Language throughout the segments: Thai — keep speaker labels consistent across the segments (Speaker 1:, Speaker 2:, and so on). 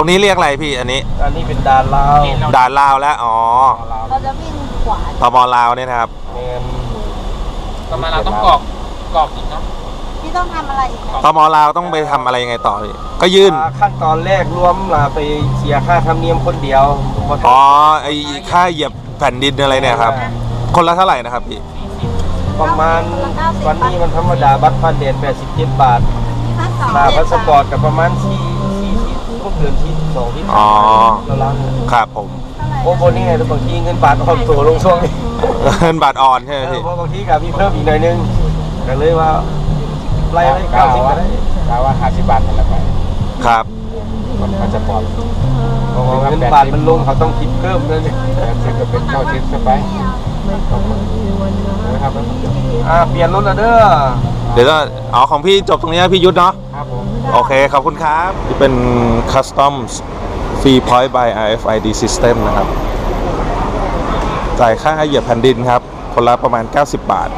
Speaker 1: รงนี้เรียกอะไรพี่อันนี้
Speaker 2: เป็นด่านลาว
Speaker 1: ด่านลาวแล้วอ๋อ
Speaker 3: เราจะวิ่งขวา
Speaker 1: ตมลาวเนี่ยนะครับ
Speaker 2: ตมลาวต้องกรอกอีกเนาะ
Speaker 3: พี่ต้องทำอะไรอีก
Speaker 1: ตมลาวต้องไปทำอะไรยังไงต่อพี่ก็ยื่น
Speaker 2: ขั้นตอนแรกรวมไปเสียค่าธรรมเนียมคนเดียว
Speaker 1: อ๋อไอ้ค่าเหยียบแผ่นดินอะไรเนี่ยครับคนละเท่าไหร่นะครับพี่
Speaker 2: ประมาณวันนี้มันธรรมดาบัตรผ่านแดน87 บาทค่าพาสปอร์ตกับประมาณก็เกิน2ที่
Speaker 1: อ๋อ
Speaker 2: เรา
Speaker 1: ครับผม
Speaker 2: โอ้โหนี่ไงบางทีเงินบาทอ่อนตัวลงช่วงนี้
Speaker 1: เงินบาทอ่อนใช่ไหมพี่
Speaker 2: เพราะบางทีกับมีเพิ่มอีกหน่อยนึงก็เลยว่าไล่90ก็ได้กล่าวว่า50 บาทนั่นแหละไป
Speaker 1: ครับ
Speaker 2: พาสปอร์ตเงินบาทมันลงเขาต้องคิดเพิ่มเลยจะเป็น90สบายนะครับเปลี่ยนรถแล้วเด้อ
Speaker 1: เดี๋ยวเอาของพี่จบตรงนี้พี่ยุทธเนาะ
Speaker 2: ครับผม
Speaker 1: โอเคขอบคุณครับที่เป็น Custom Free Point by RFID System นะครับจ่ายค่าเหยียบแผ่นดินครับคนละประมาณ90 บาท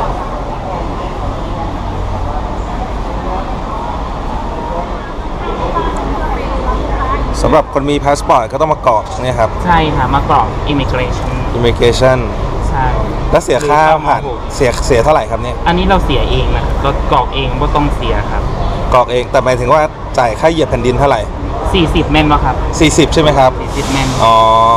Speaker 1: สำหรับคนมีพาสปอร์ตก็ต้องมากรอกเนี่ยครับ
Speaker 4: ใช่ค่ะมากรอก immigration
Speaker 1: ใช่แล้วเสียค่าผ่านเสียเท่าไหร่ครับเนี่ย
Speaker 4: อันนี้เราเสียเองนะเรากรอกเองไม่ต้องเสียครับ
Speaker 1: กรอกเองแต่หมายถึงว่าจ่ายค่าเหยียบแผ่นดินเท่าไหร่
Speaker 4: 40 แม่นป่ะครับ
Speaker 1: 40ใช่ไหมครับ
Speaker 4: 40 แม่น
Speaker 1: อ๋อ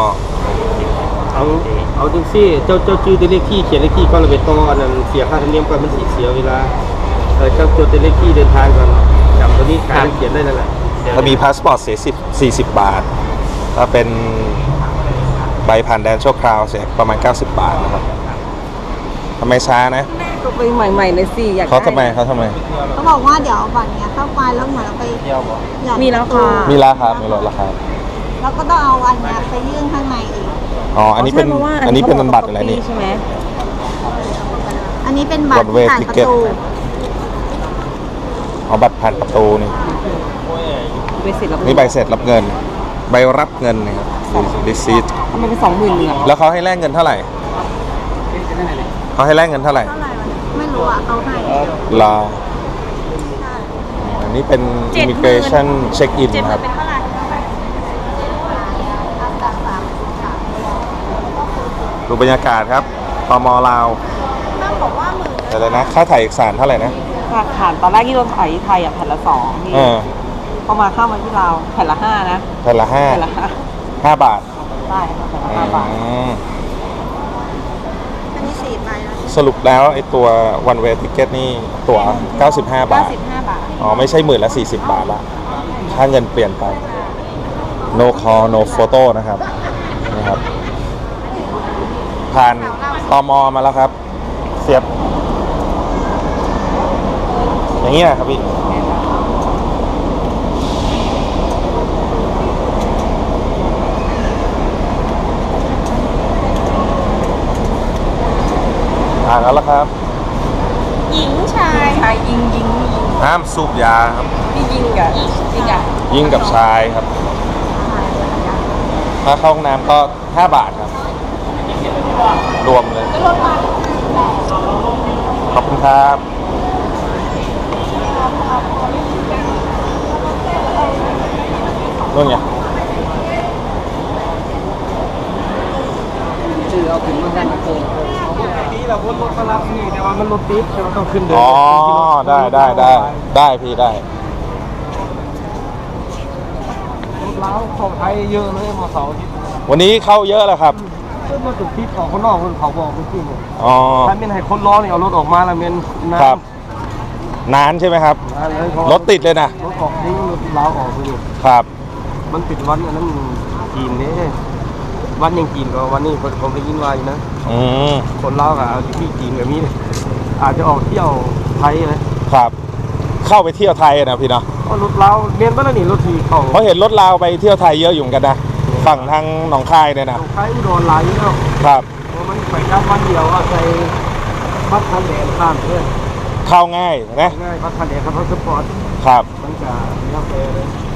Speaker 2: เอาจริงสิเจ้าชื่อเลขที่เขียนเลขที่ก็ระเบิดต่ออันนั้นเสียค่าธรรมเนียมก่อนมันเสียเวลาเจ้าจดเลขที่เดินทางก่อนจำตัวนี้การเขียนได้นั่นแหละ
Speaker 1: ถ้ามีพาสปอร์ตเสีย40 บาทถ้าเป็นใบผ่านแดนชั่วคราวเสียประมาณ90 บาทนะครับทำไมช้านะ
Speaker 3: ก็ไปใหม่ๆเลยสิอยาก
Speaker 1: เขาทำไมเขา
Speaker 3: บอกว่าเดี๋ยวบัตรเนี้ยเข้าไปแล้วเหมือนเราไปมีราคา
Speaker 1: มีราคา
Speaker 3: แล้วก็ต้องเอาอันเนี้ยไปยื่นข้างในอีก
Speaker 1: อ๋ออันนี้เป็นบัตรอะไรนี่
Speaker 3: ใช่ไหมอันนี้เป็นบัตรผ่านประตู
Speaker 1: อ๋อบัตรผ่านประตูนี่นี่ใบเสร็จรับเงินใบรับเงินนะครับรีซีท
Speaker 3: มันเป็น20,000เนี่ย
Speaker 1: แล้วเขาให้แลกเงินเท่าไหร่เขาให้แลกเงินเท่าไหร่
Speaker 3: ไม่รู้อ่ะเขาให้
Speaker 1: รออันนี้เป็น immigration check in ครับดูบรรยากาศครับตม.ลาวอะไรนะค่าถ่ายเอกสารเท่าไหร่นะ
Speaker 3: ผ่านตอนแรกที่เราถ่ายที่ไทยอ่ะแผ่นละ2พี่พอมาเข้ามาที่ลาวแผ่นละ5นะ
Speaker 1: แผ่นละ5 บาท
Speaker 3: ใช่ค่ะแผ่นละ5 บาทอันนี้4 ใบ
Speaker 1: สรุปแล้วไอ้ตัว one way ticket นี่ตั๋ว95 บาทอ๋อไม่ใช่10,000ละ40 บาทละค่าเงินเปลี่ยนไป no call no photo นะครับผ่านตม.มาแล้วครับเสียบอย่างนี้นะครับพี่ผ่านแล้วครับ
Speaker 3: หญิงชายยิง
Speaker 1: ห้ามสูบยาครับ
Speaker 3: ยิ
Speaker 1: งกับชายครับถ้าเข้าห้องน้ำก็5 บาทครับรวมเลยขอบคุณครับนู่นไง
Speaker 2: เอาถึงมากันโกงนี่เรารถมารับนี่แต่ว่ามันรถติดเราต้องขึ้นเดิน
Speaker 1: อ๋อได้พี่ได้
Speaker 2: แล้วของไทยเยอะเลยมาเสาร์อาทิตย์
Speaker 1: วันนี้เข้าเยอะแล้วครับ
Speaker 2: ขึ้นมาจุดที่ของคนนอกคนเขาบอกขึ้นถ้าเป็นให้คนร้อนเนี่ยเอารถออกมาแล้วเป็น
Speaker 1: นานใช่ไหมครับรถติดเลยนะ
Speaker 2: รถออกนี่รถล้าออกเลย
Speaker 1: ครับ
Speaker 2: มันติดวันอันนั้นจีนเนี่ยวันยังจีนก็วันนี้ผมไปยินวายนะคนเล่ากับที่จีนกับมีอาจจะออกเที่ยวไทยนะครับ
Speaker 1: เข้าไปเที่ยวไทยนะพี่เนาะ
Speaker 2: รถเราเมียนบ้านนี่รถทีเขา
Speaker 1: เพราะเห็นรถเราไปเที่ยวไทยเยอะอยู่กันนะฝั่งทางหนองคายเนี่ยนะ
Speaker 2: หนองคายอุดรไหลแล้ว
Speaker 1: ครับ
Speaker 2: มันไปแค่วันเดียวใส่บัตรทันแดนข้ามเพื่อน
Speaker 1: เข้าง่ายนะ
Speaker 2: ง่ายบัตรทันแดนครับพาสปอร์ต
Speaker 1: ครับ
Speaker 2: มันจะเลี้ยวไปเลย